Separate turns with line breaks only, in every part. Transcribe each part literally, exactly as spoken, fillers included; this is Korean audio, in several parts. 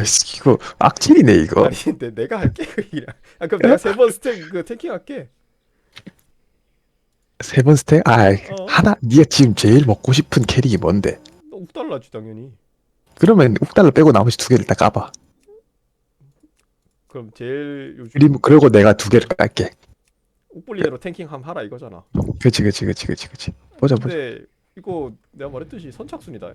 씨, 이거 악질이네 이거.
아니 근데 내가 할게 그냥. 아 그럼 내가 세 번 스택 그 태킹 할게.
세 번 스택? 아,
어?
하나. 네가 지금 제일 먹고 싶은 캐릭이 뭔데?
옥 달라지 당연히.
그러면 욱달러 빼고 나머지 두 개를 딱 까봐.
그럼 제일
그리고
요즘
그리고 내가 두 개를 깔게.
옥블린으로 탱킹 함 하라 이거잖아.
그치 그치 그치 그치 그치. 보자 보자.
근데 이거 내가 말했듯이 선착순이다.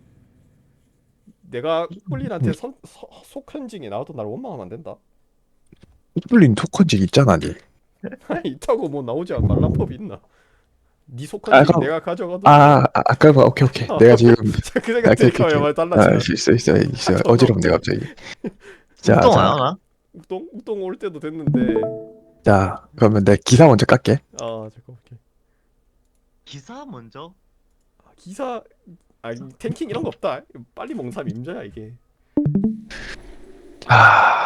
내가
음,
옥블린한테 선 서- 속현징이 나와도 날 원망하면 안 된다.
욱블린 토큰직 있잖아 니.
있다고 뭐 나오지 않 말란 법이 있나? 네 속현징
아까
내가 가져가도 돼.
아 아, 아까 봐. 오케이 오케이. 내가 지금
그
아,
생각
오케이 오케이
드니까
오케이.
말
아
달라지나?
있어 있어 있어
아 존나
어지럽네
웃겨.
갑자기. 자
욱동 안
자
하나?
욱동 욱동 올 때도 됐는데.
자 그러면 내 기사 먼저 깔게.
아 잠깐 오케이.
기사 먼저?
아, 기사 아 탱킹 이런 거 없다. 빨리 먹는 사람 임자야 이게.
아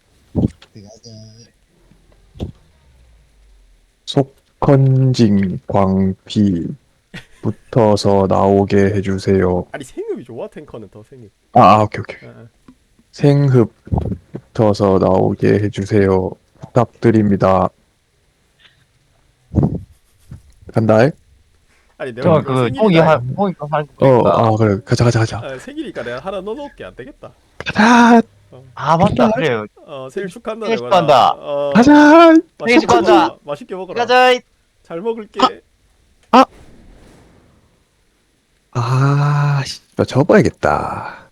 속컨징 광피 붙어서 나오게 해주세요.
아니 생음이 좋아 탱커는 더 생음.
아, 아 오케이 오케이.
아, 아.
생흡 붙어서 나오게 해주세요. 부탁드립니다. 간다.
아니 내가
저
이거
그 똥이
생일이다.
할 똥이 할
어,
거니까.
아 그래. 가자 가자 가자.
아, 생일이니까 내가 하나 넣어놓을게 안 되겠다.
가자
어,
아 맞다 그래요.
어 생일 축하한다
생일
내가.
축하한다.
어,
가자.
맛있게
축하한다.
먹어라. 맛있게 먹어라.
가자.
잘 먹을게.
아, 씨, 나 접어야겠다.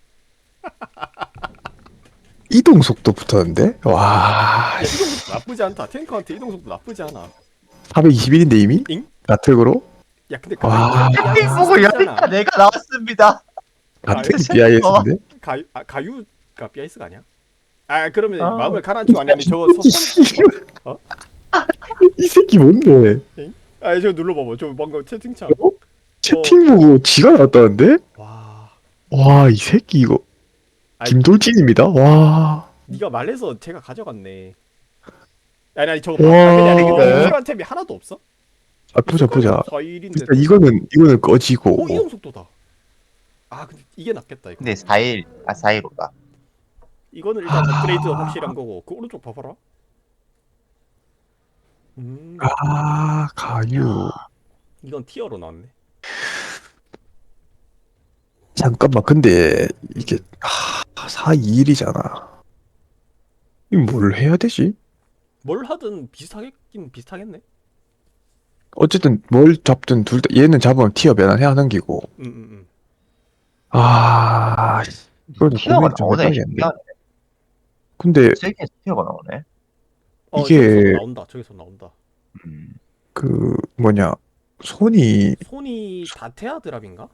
이동 속도 붙었는데? 와,
야 이동 속도 나쁘지 않다. 탱커한테 이동 속도 나쁘지 않아.
사백이십일인데 이미?
잉?
가특으로?
야 근데
와.
가유
보고 여니까 내가 나왔습니다.
가특
아,
비아이에스인데?
가유 아 가유가 비아이스가 아니야? 아 그러면
아.
마음을 가라앉히고 아니 아니 저거 서, 어?
이 새끼 뭔데?
아 저거 눌러봐봐. 저 방금 채팅창.
어? 채팅 보고 지가 나왔다는데?
와.
와, 이 새끼 이거
아이,
김돌진입니다. 와.
네가 말해서 제가 가져갔네. 아니 아니 저거
와.
당연히 아니 근데
네.
필요한 템이 하나도 없어?
아, 보자 보자.
사일인데
일단 이거는 이거는 꺼지고.
어 이동 속도다. 아 근데 이게 낫겠다 이거.
근데 사 일 아 사 일오다.
이거는 일단
아.
업그레이드 확실한 거고 그 오른쪽 봐봐라. 음
아, 가유.
이건 티어로 나왔네.
잠깐만, 근데 이게 아, 사이일이잖아. 이 뭘 해야 되지?
뭘 하든 비슷하겠긴 비슷하겠네.
어쨌든 뭘 잡든 둘 다 얘는 잡으면 티어 변환해야 넘기고.
응응응. 음, 음.
아, 씨, 이거는
티어가
고민 좀
나오네.
해봐야겠네.
신기하네.
근데
세계에서 티어가 나오네.
어
이게-
저기서 나온다. 저기서 나온다.
음.
그 뭐냐 손이
손이 다테아 드랍인가?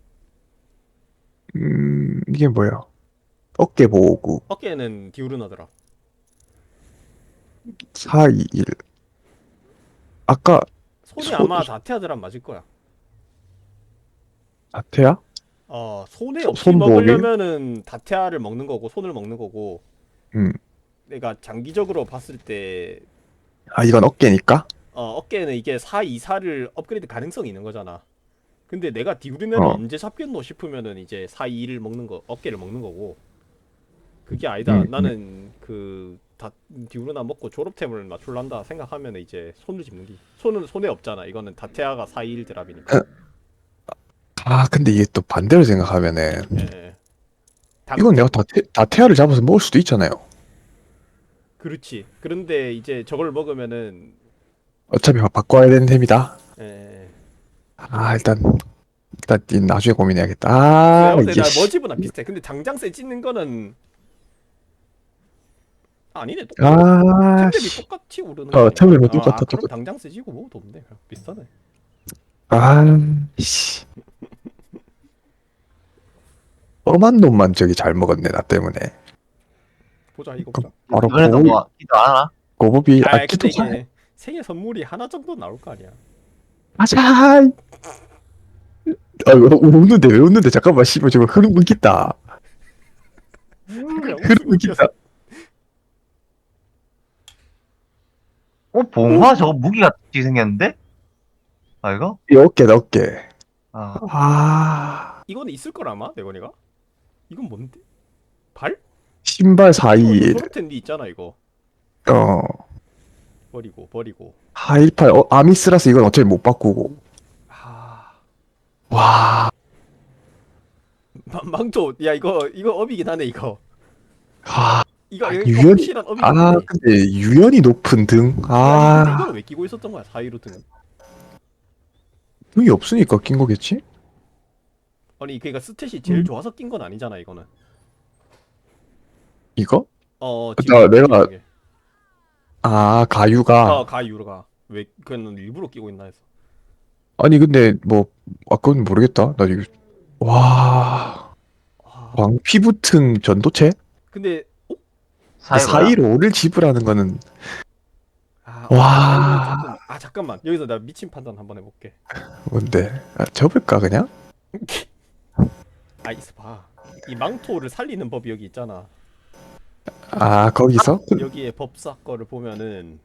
음 이게 뭐야? 어깨 보호구
어깨는 디우르나 드랍.
사이일. 아까
손이
손-
아마 다테아 드랍 맞을 거야.
아태야?
어 손에
손-
없이
손 보호기?
먹으려면은 다테아를 먹는 거고 손을 먹는 거고.
음.
내가 장기적으로 봤을 때
아 이건 어깨니까?
어, 어깨는 이게 사, 이, 사를 업그레이드 가능성이 있는 거잖아. 근데 내가 디우르나를
어.
언제 잡겠노 싶으면은 이제 사, 이를 먹는 거, 어깨를 먹는 거고. 그게 아니다.
음,
나는 그 다, 디우르나 먹고 졸업템을 맞출란다 생각하면 이제 손을 집는 게. 손은 손에 없잖아. 이거는 다테아가 사, 이 드랍이니까.
아 근데 이게 또 반대로 생각하면은
예, 예. 다-
이건 내가 다테, 다태아를 잡아서 먹을 수도 있잖아요.
그렇지. 그런데 이제 저걸 먹으면은
어차피 바- 바꿔야 되는 셈이다.
예, 예.
아 일단 일단 이 나중에 고민해야겠다. 아
근데
이게
나
씨.
머지보다 비슷해. 근데 당장 세 찢는 거는 아니네. 똑같아.
아
템랩이
씨.
똑같이 오르는
어,
거니까.
템랩은
아,
똑같아,
아, 그럼
똑같아.
당장 쓰지고 뭐도 없네. 그냥 비슷하네.
아 씨. 험한 놈만 저기 잘 먹었네 나 때문에.
보자 이거
그
보자.
바로
이번에도
고비
뭐 기도 안 하나?
고법이
아,
아
근데
기도
이게 생일 선물이 하나 정도 나올 거 아니야.
하자. 아 웃는데 왜 웃는데 잠깐만 씨발 저거 흐름 끊긴다.
그냥
흐름 끊긴다.
어 봉화 저거 무기 같이 생겼는데? 아 이거?
이 어깨다 어깨.
아
아
이거는 있을 걸 아마 내거니가? 이건 뭔데? 발?
신발
이거
사이일.
졸업템 니 있잖아 이거.
어.
버리고 버리고.
사일팔. 어, 아미스라서 이건 어차피 못 바꾸고.
아
와.
망- 망토 야 이거 이거 업이긴 하네 이거.
아,
이거
아,
이거
유연이.
확실한 업이긴
아,
하네.
근데 유연이 높은 등.
아니 근데
아,
이거는 왜 끼고 있었던 거야 사이로 등은?
등이 없으니까 낀 거겠지?
아니 그러니까 스탯이 제일
음.
좋아서 낀 건 아니잖아 이거는.
이거?
어
나-
지금
내가-
중에.
아, 가유가.
어 가이유로가 왜 그는 일부러 끼고 있나 해서.
아니, 근데 뭐, 아, 그건 모르겠다. 나 이거, 와,
아,
광 피부튼 전도체?
근데 어?
사이로야?
사이로를 지불하는 거는,
아,
와.
와. 사이로 조금 아 잠깐만 여기서 나 미친 판단 한번 해볼게.
뭔데? 아, 접을까, 그냥?
아 있어 봐. 이 망토를 살리는 법이 여기 있잖아.
아, 거기서?
여기에 법사 거를 보면은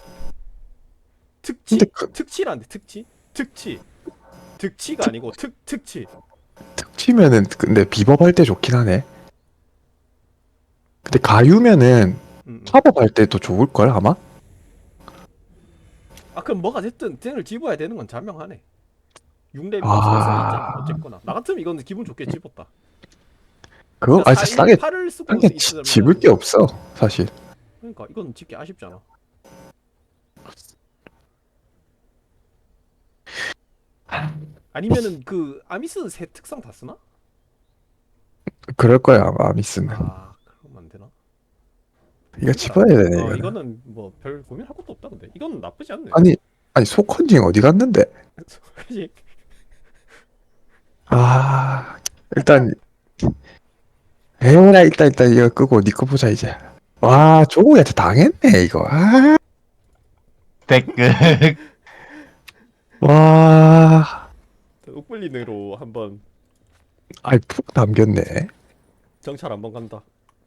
특치
근데 그-
특치란데 특치 특치 특치가 아니고 특 특치.
툭 치면은, 근데 비법할 때 좋긴 하네. 근데 가유면은,
음, 음.
팝업할 때도 좋을걸, 아마?
아 그럼 뭐가 됐든 등을 집어야 되는 건 자명하네. 육 렙이
아.
없으면 있잖아 어쨌거나. 나 같으면 이거는 기분 좋게 집었다.
그거, 아, 진짜 싸게,
팔을 쓰고
싸게
있으면
지- 집을 게 없어, 사실.
그러니까 이건 집기 아쉽잖아. 아니면은 그 아미스 새 특성 다 쓰나?
그럴 거야, 아마, 미스는.
아 그러면 안 되나?
이거 집어야 되네,
어
이거는.
이거는 뭐 별 고민할 것도 없다 근데 이건 나쁘지 않네.
아니, 아니, 소컨징 어디 갔는데?
그지?
아, 일단, 에어라, 일단, 일단, 이거 끄고, 니거 보자, 이제. 와, 조우한테 당했네, 이거. 아,
댓글.
와,
옥블린으로 한번
아이, 푹 남겼네.
정찰 한번 간다.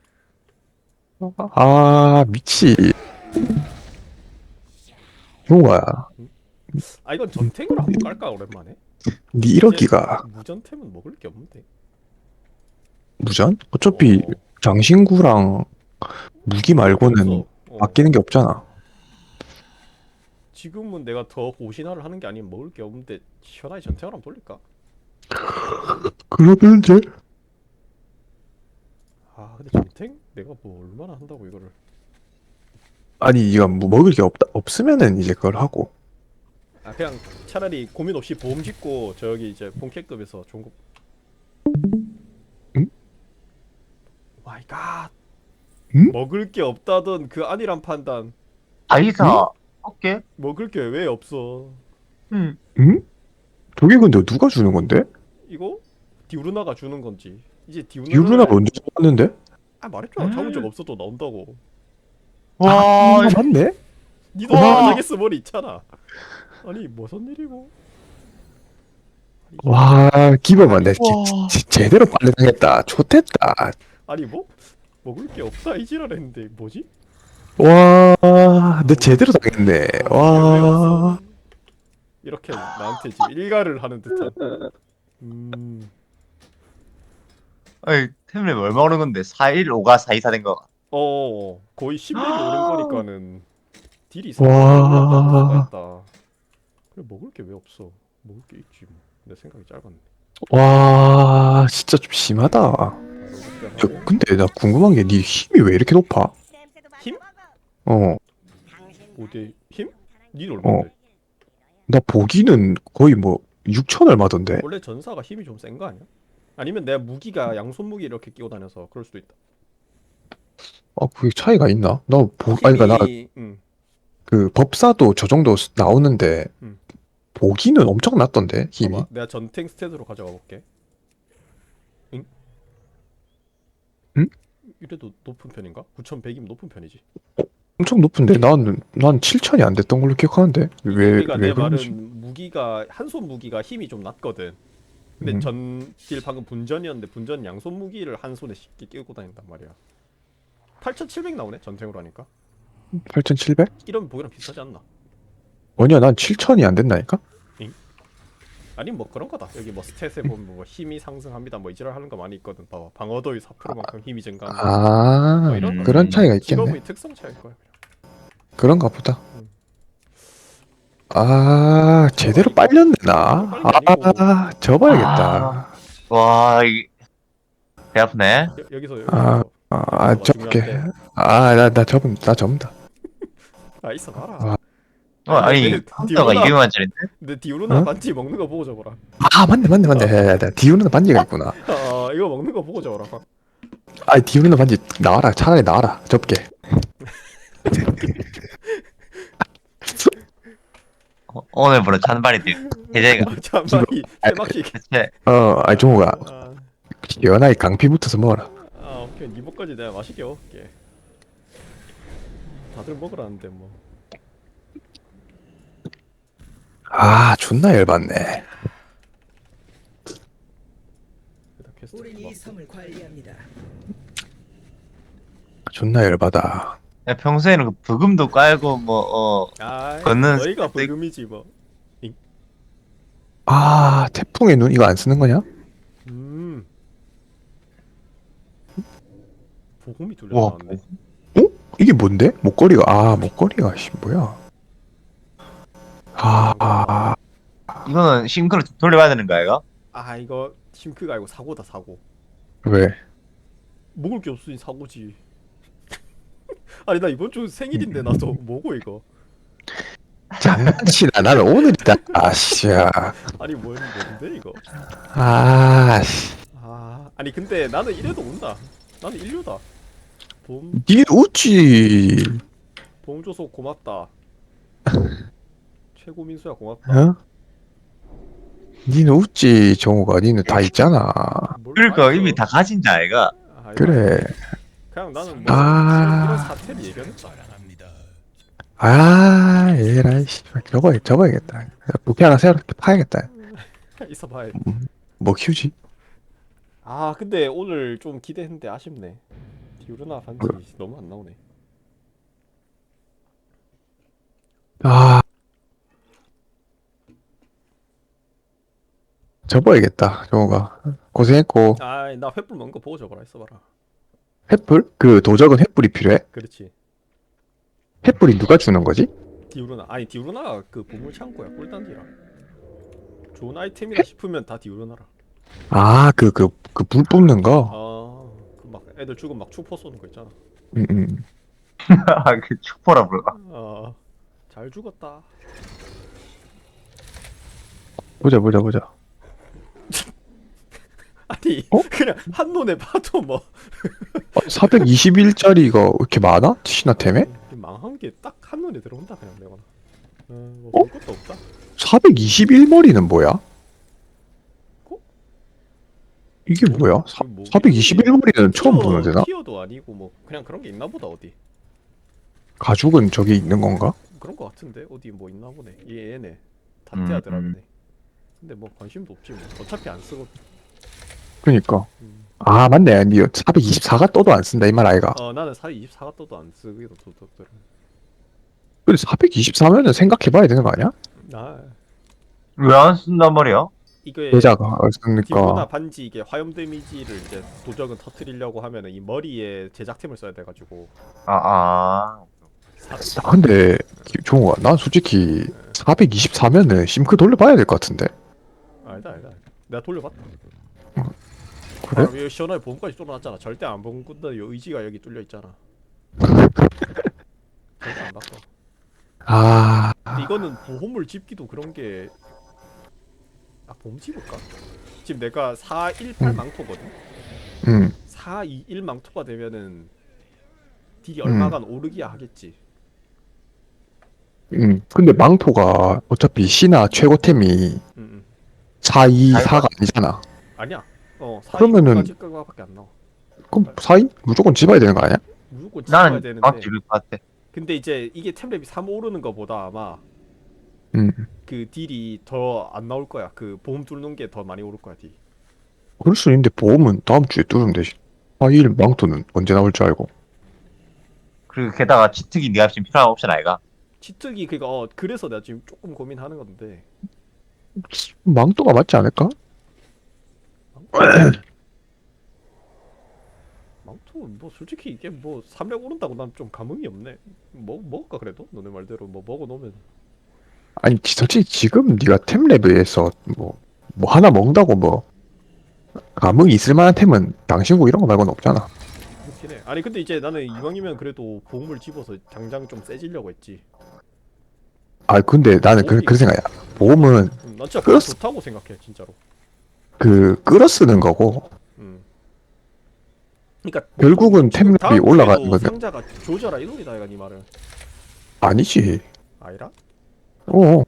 아, 미치. 조우야,
아 이건 전탱으로 한번 깔까 오랜만에.
니 일억기가
무전템은 먹을 게 없는데.
무전? 어차피,
어,
장신구랑 무기 말고는
없어. 어.
바뀌는 게 없잖아.
지금은 내가 더 고신화를 하는 게 아니면 먹을 게 없는데 시원하게 전탱을 한번 돌릴까?
그러면 이제,
아 근데 전탱? 내가 뭐 얼마나 한다고 이거를.
아니, 이거 뭐 먹을 게 없다, 없으면은 이제 그걸 하고.
아 그냥 차라리 고민 없이 보험 짓고 저기 이제 본캐급에서 좋은 거.
응?
마이 갓.
응?
먹을 게 없다던 그 아니란 판단.
아이사. 오케이.
먹을 게 왜 없어?
응.
응? 저게 근데 누가 주는 건데?
이거 디우르나가 주는 건지. 이제 디우르나.
유루나 먼저 잡았는데?
아 말했잖아. 잡은 적
음.
없어도 나온다고.
와.
아, 맞네?
니도
와.
저기서 머리 있잖아. 아니 무슨 일이고? 아니,
와, 기범아, 내
와.
지- 지- 제대로 빨래 당했다. 좋댔다.
아니 뭐 먹을 게 없다 이 지랄했는데 뭐지?
와, 내 제대로 당했네.
어, 이게 왜
와,
없어? 이렇게 나한테 지금 일가를 하는 듯한. 음.
아이, 템랩 얼마 오른 건데? 사일오가 사이사 된 거.
어 거의 십 렙이 오른 거니까는 딜이
와.
상당히 올랐다는 수가 있다. 그래 먹을 게 왜 없어? 먹을 게 있지 뭐. 내 생각이 짧았네.
와, 진짜 좀 심하다. 야,
하고.
근데 나 궁금한 게 네 힘이 왜 이렇게 높아?
힘?
어,
어디 힘? 니 얼마인데?
나 보기는 거의 뭐 육천 얼마던데?
원래 전사가 힘이 좀 센 거 아니야? 아니면 내가 무기가 양손 무기 이렇게 끼고 다녀서 그럴 수도 있다.
아, 그게 차이가 있나? 나 보, 아니, 그니까 나
힘이 응.
그 법사도 저 정도 쓰- 나오는데
음.
보기는 엄청 낮던데, 힘이.
봐봐, 내가 전탱 스탯으로 가져가 볼게. 응?
응?
이래도 높은 편인가? 구천백이면 높은 편이지.
엄청 높은데 난, 난 칠천이 안 됐던 걸로 기억하는데 왜,
그러니까
왜
내
그런지.
말은 무기가 한손 무기가 힘이 좀 낮거든. 근데
음.
전딜 방금 분전이었는데 분전 양손 무기를 한 손에 쉽게 끼고 다닌단 말이야. 팔천칠백 나오네 전탱으로 하니까.
팔천칠백?
이러면 보기랑 비슷하지 않나?
아니야, 난 칠천이 안 된다니까?
아니 뭐 그런 거다. 여기 뭐 스탯에 보면 뭐 힘이 상승합니다. 뭐 이지랄 하는 거 많이 있거든. 봐봐. 방어도의 사 퍼센트만큼 힘이 증가합니다.
아,
뭐 이런 거.
그런 차이가 있겠네.
직업의 특성 차이일 거야.
그런가 보다.
음.
아, 제대로
이거-
빨렸네, 나.
이거 빨린 게 아니고.
아, 접어야겠다.
와, 이, 배 아프네.
여, 여기서 여기서.
아, 아,
뭐가
접게.
중요한데.
아, 나, 나 접은, 나 접는다.
아 있어 봐라.
아.
어, 아니,
내-
컴퓨터가
디오나-
이백만짜리인데?
근데 디오르나
어?
반지 먹는 거 보고 적어라.
아, 맞네, 맞네, 맞네. 야, 야, 야, 디우르는 반지가 있구나.
아 이거 먹는 거 보고 적어라.
아, 디우르는 반지 나와라. 차라리 나와라. 접게.
어, 오늘부로 찬발이들. 해제가.
잠깐이 세막씩.
대체,
어, 아니, 종우가.
아,
연하게 강피 붙어서 먹어라.
아 오케이 이모까지 내가 맛있게 먹을게. 다들 먹으라는데 뭐.
아, 존나 열받네.
일단 퀘스트
우린 이
막-
섬을 관리합니다.
존나 열받아.
야, 평소에는 그 부금도 깔고, 뭐, 어,
아,
걷는
너희가
스택-
불금이지 뭐.
아, 태풍의 눈 이거 안 쓰는 거냐?
음. 보금이 둘려
와,
나왔네.
어? 이게 뭔데? 목걸이가, 아, 목걸이가, 씨, 뭐야. 아, 아,
이거는 싱크를 돌려봐야 되는 거야, 이거?
아 이거 심크가 아니고 사고다 사고.
왜?
먹을 게 없으니 사고지. 아니 나 이번 주 생일인데 나도 뭐고 이거.
장난치나. 나는 오늘이다. 아, 씨야.
아니 뭔 뭔데 이거.
아, 씨.
아 아니 근데 나는 이래도 온다. 나는 인류다. 봄
니 웃지.
봄 줘서 고맙다. 최고 민수야 고맙다.
어? 니는 웃지, 정우가. 니는 다 있잖아.
뭘
그러니까
말했어.
이미 다 가진 자아이가.
아, 이거
그래.
그냥 나는 뭐
아.
이런 사태를 예견했다.
아, 에라이, 씨. 접어, 접어야겠다. 부피 하나 새롭게 파야겠다.
있어봐야.
뭐 키우지?
아 근데 오늘 좀 기대했는데 아쉽네. 디오르나 반지 너무 안 나오네.
아. 접어야겠다, 정우가. 고생했고.
아나 횃불 먹는 거 보고 적어라 있어봐라.
횃불? 그 도적은 횃불이 필요해?
그렇지.
횃불이 누가 주는 거지?
디오르나 아니 디오르나 그 보물 창고야 꿀단지라. 좋은 아이템이라 싶으면 다 디오르나라.
아, 그, 그, 그 불 뿜는 거?
아그 막 애들 죽으면 막 축포 쏘는 거 있잖아.
응, 응.
아, 그 축포라 불러.
아잘 죽었다.
보자, 보자, 보자.
아니
어?
그냥 한눈에 봐도 뭐
사백이십일 짜리가 왜 이렇게 많아? 신화템에?
망한 게 딱 한눈에 들어온다 그냥 내거나. 어뭐
어?
볼 것도 없다.
사백이십일 머리는 뭐야?
어?
이게 뭐야? 사,
그 뭐-
사백이십일 머리는 처음
티어-
보는 데나?
티어도 아니고 뭐 그냥 그런 게 있나 보다 어디.
가죽은 저기 있는 건가?
그런 거 같은데 어디 뭐 있나 보네. 얘 얘네 다테아
음,
드라그네. 근데 뭐 관심도 없지 뭐. 어차피 안 쓰고.
그니까.
음.
아, 맞네. 니 사백이십사가 떠도 안 쓴다, 이 말 아이가.
어 나는 사 이십사가 떠도 안 쓰기도 도덕들.
근데 사백이십사면은 생각해봐야 되는 거 아니야?
아
왜 안 쓴단 말이야?
이게
여자가
디오르나
그러니까.
반지 이게 화염 데미지를 이제 도적은 터트리려고 하면은 이 머리에 제작템을 써야 돼가지고.
아, 아.
아, 근데 종우가 난 솔직히 사백이십사면은 심크 돌려봐야 될 것 같은데.
알다 알다. 내가 돌려봤다.
그래?
아, 여기 시원하게 보험까지 뚫어놨잖아. 절대 안 보험꾼다. 요 의지가 여기 뚫려 있잖아. 절대 안 바꿔.
아,
근데 이거는 보험을 집기도 그런 게. 아 보험 집을까? 지금 내가 사백십팔
음.
망토거든.
음,
사백이십일 망토가 되면은 딜이
음.
얼마간 오르기야 하겠지.
음. 근데 망토가 어차피 신화 최고템이
응, 응.
사이사가 아니잖아.
아니야. 어
그러면은-
사백이십까지밖에 안 나와.
그럼 사이 무조건 집어야 되는 거 아니야?
무조건 집어야
나는
되는데.
막 집을 것 같아.
근데 이제 이게 템랩이 삼 오르는 거보다 아마
음.
그 딜이 더 안 나올 거야. 그 보험 뚫는 게 더 많이 오를 거야 딜.
그럴 수 있는데 보험은 다음 주에 뚫으면 되지. 사일 망토는 언제 나올 줄 알고.
그리고 게다가 치특이 네가 지금 필요한 옵션 아이가?
치특이 그니까 어 그래서 내가 지금 조금 고민하는 건데
망토가 맞지 않을까?
망토 뭐 솔직히 이게 뭐 삼렙 오른다고 난 좀 감흥이 없네. 뭐 먹을까 그래도 너네 말대로 뭐 먹어 놓으면.
아니 지- 솔직히 지금 네가 템 레벨에서 뭐 뭐 하나 먹는다고 뭐 감흥이 있을 만한 템은 당신고 이런 거 말고는 없잖아.
그렇긴 해. 아니 근데 이제 나는 이왕이면 그래도 보험을 집어서 당장 좀 세지려고 했지.
아 근데 나는 그, 그 생각이야. 보험은
음, 난 진짜 보험
끌었어.
좋다고 생각해 진짜로.
그 끌어 쓰는 거고
음. 그러니까
결국은
지금
템
다음
랩이 올라가는
주에도
거는
상자가 조져라 이 소리다 이가 니 말은.
아니지.
아니라?
어.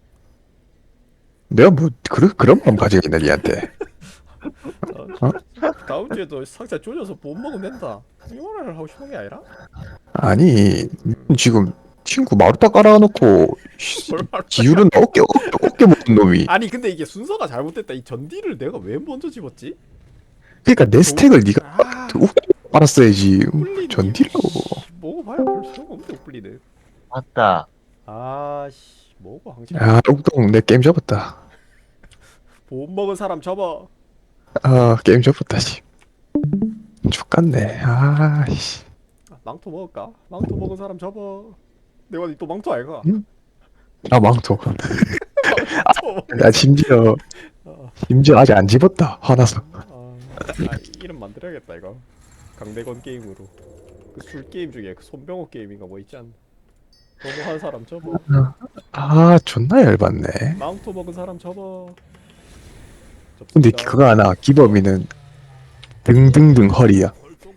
내가 뭐 그런 그런 마음 가지고 있나 니한테.
아,
어?
다음 주에도 상자 조져서 보험 먹으면 된다. 이 말을 하고 싶은 게 아니라?
아니 지금 친구 마루타 깔아놓고 씨,
뭘 말을
기울은 어깨 어깨 어깨 먹은 놈이.
아니 근데 이게 순서가 잘못됐다. 이 전디를 내가 왜 먼저 집었지?
그러니까 내 스택을 네가
아,
빨았어야지.
뿔리니.
전디라고.
먹어봐야 별 소용없는데 뿔리는.
맞다.
아씨 먹어 항상.
야 똥똥 내 게임 접었다.
보험 먹은 사람 접어.
아 게임 접었다 씨. 죽겠네. 아씨.
아, 망토 먹을까? 망토 먹은 사람 접어. 내가 또 망토 아이가?
응? 아 망토.
망토.
나 심지어
아,
심지어 아직 안 집었다. 화나서.
아, 아, 이름 만들어야겠다 이거. 강대건 게임으로. 그 술 게임 중에 그 손병호 게임인가 뭐 있지 않나? 너무한 사람 접어.
아 존나 열받네.
망토 먹은 사람 접어.
근데
접습니다.
그거 하나 기범이는 등등등 허리야.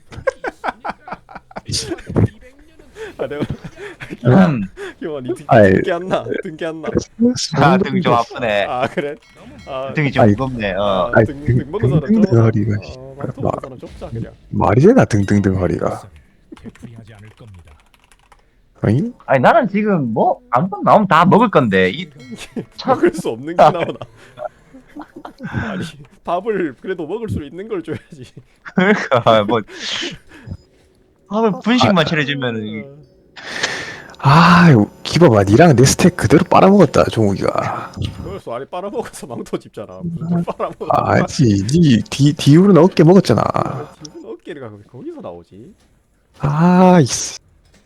아 내가
음.
기영아 니 등,
아이.
등기 안 나? 등기 안 나?
아, 등 좀 아프네.
아 그래? 아,
등이 좀
아이,
무겁네. 어.
아,
아이,
등,
등-
등 먹은 사람
등등
접어.
허리가,
어, 망토 먹은 사람 접자 그냥.
말이 되나 등등등 허리가.
되풀이하지 않을 겁니다.
어잉?
아니 나는 지금 뭐 아무거나 나오면 다 먹을 건데 이 참.
먹을 수 없는 게 나오나? 아니 밥을 그래도 먹을 수 있는 걸 줘야지.
그러니까 뭐 밥을 분식만 차려주면은
아 기범아 니랑 내 스택 그대로 빨아먹었다 종욱이가.
그걸 수 아니 빨아먹어서 망토 집잖아. 무슨 걸 빨아먹어?
아지 니 뒤, 뒤로는 어깨 먹었잖아.
기분 어깨가 거기- 거기서 나오지.
아 이씨.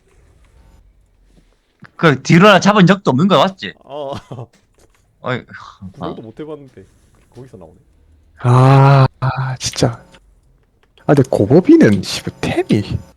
그 뒤로 하나 잡은 적도 없는 거 맞지?
어
어이,
구경도 못 해봤는데 거기서 나오네.
아, 아 진짜. 아 근데 고법이는 씨발 템이